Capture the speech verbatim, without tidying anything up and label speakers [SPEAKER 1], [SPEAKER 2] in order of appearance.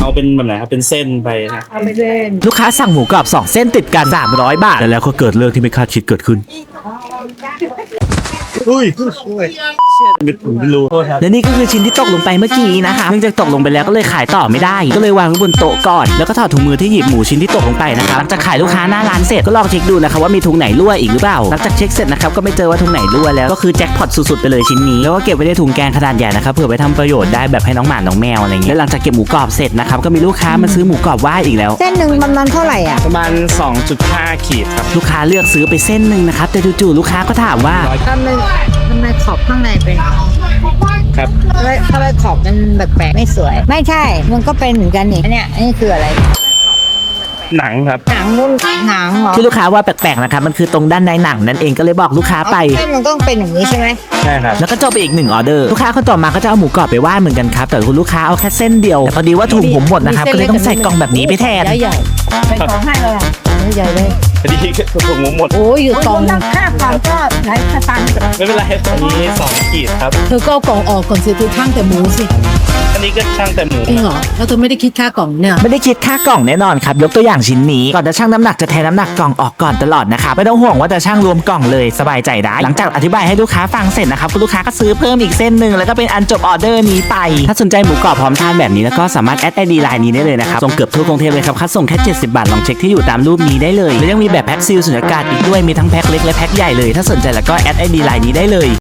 [SPEAKER 1] เอาเป็นแบบไหนครับเป็นเส้นไปนะ
[SPEAKER 2] เอาไปเล่น
[SPEAKER 3] ลูกค้าสั่งหมูกรอบสองเส้นติดกันสามร้อยบาทแล้วก็เกิดเรื่องที่ไม่คาดคิดเกิดขึ้น
[SPEAKER 1] อุ้ยไม่รู้โทษครับ
[SPEAKER 3] และนี่ก็คือชิ้นที่ตกลงไปเมื่อกี้นะคะเนื่องจากตกลงไปแล้วก็เลยขายต่อไม่ได้ก็เลยวางไว้บนโต๊ะก่อนแล้วก็ถอดถุงมือที่หยิบหมูชิ้นที่ตกลงไปนะคะหลังจากขายลูกค้าหน้าร้านเสร็จก็ลองเช็คดูนะคะว่ามีถุงไหนรั่วอีกหรือเปล่าหลังจากเช็คเสร็จนะครับก็ไม่เจอว่าถุงไหนรั่วแล้วก็คือแจ็คพอตสุดๆไปเลยชิ้นนี้แล้วก็เก็บไว้ในถุงแกงขนาดใหญ่นะครับเผื่อไปทำประโยชน์ได้แบบให้น้องหมาน้องแมวอะไรเงี้ยแล้วหลังจากเก็บหมูกรอบเสร็จนะครับก็มีลูกค้ามาซื้อหมูกรอบว่ายอีกแล้ว
[SPEAKER 2] เส้นหนึ่งประมาณเท่าไหร่อ่ะ
[SPEAKER 1] ประมาณ สองจุดห้า ขีดครับ
[SPEAKER 3] ลูกค้าเลือกซื้อไปเส้นหนึ่งนะครับแต่จู่ๆลูกค้าก็ถามว่า
[SPEAKER 2] ทำไมทำไมขอบข้างในเป็น
[SPEAKER 1] ครับ
[SPEAKER 2] ทำไมทำไมขอบมันแปลกๆไม่สวย ไม่ใช่มันก็เป็นเหมือนกันนี่อันเนี้ยอันนี้คืออะไร
[SPEAKER 1] หนังครับ
[SPEAKER 2] หนังนุ่นหนังเหรอ
[SPEAKER 3] ที่ลูกค้าว่าแปลกๆนะครับมันคือตรงด้านในหนังนั่นเองก็เลยบอกลูกค้าไป
[SPEAKER 2] เส้นมันต้องเป็นอย่างนี้ใช่ไหม
[SPEAKER 1] ใช่ครับ
[SPEAKER 3] แล้วก็จบไปอีกหนึ่งออเดอร์ลูกค้าคนต่อมาก็จะเอาหมูกรอบไปว่ายเหมือนกันครับแต่คุณลูกค้าเอาแค่เส้นเดียวแต่พอดีว่าถุงผมหมดนะครับก็เลยต้องใส่กล่องแบบนี้ไปแทน
[SPEAKER 2] ใหญ่ๆใส่ของให้เลยใหญ่เลย
[SPEAKER 1] พอดีถุงหมูหมด
[SPEAKER 2] โอ้ยอยู่กล่องค่าความก็หลายสตางค์
[SPEAKER 1] ไม่เป็นไรอันนี้สองขีดครับ
[SPEAKER 4] เธอก็เอากล่องออกก่อนสิเธอช่างแต่หมูสิ
[SPEAKER 1] อันนี้ก็ช่างแต่หมู
[SPEAKER 4] จริงเหรอแล้วเธอไม่ได้คิดค่ากล่องเนี่ย
[SPEAKER 3] ไม่ได้คิดค่ากล่องแน่นอนครับยกตัวอย่างชิ้นนี้ก่อนจะชั่งน้ำหนักจะแทนน้ำหนักกล่องออกก่อนตลอดนะครับไม่ต้องห่วงว่าจะชั่งรวมกล่องเลยสบายใจได้หลังจากอธิบายให้ลูกค้าฟังเสร็จนะครับคุณลูกค้าก็ซื้อเพิ่มอีกเส้นหนึ่งแล้วก็เป็นอันจบออเดอร์นี้ไปถ้าสนใจหมูกรอบพร้อมทานแบบนี้แล้วก็สามารถแอดไอดีไลน์นี้ได้เลยนะครับส่งเกือบทั่วกรุงเทพเลยครับค่าส่งแค่เจ็ดสิบบาทลองเช็คที่อยู่ตามรูปนี้ได้เลยและยังมีแบบแพ็คซีลสุญญากาศอีกด้วยมีทั้งแพ็คเล็กและแพ็คใหญ่เลยถ้าสนใจแล้วก็แอดไอดีไลน์นี้ได้เลย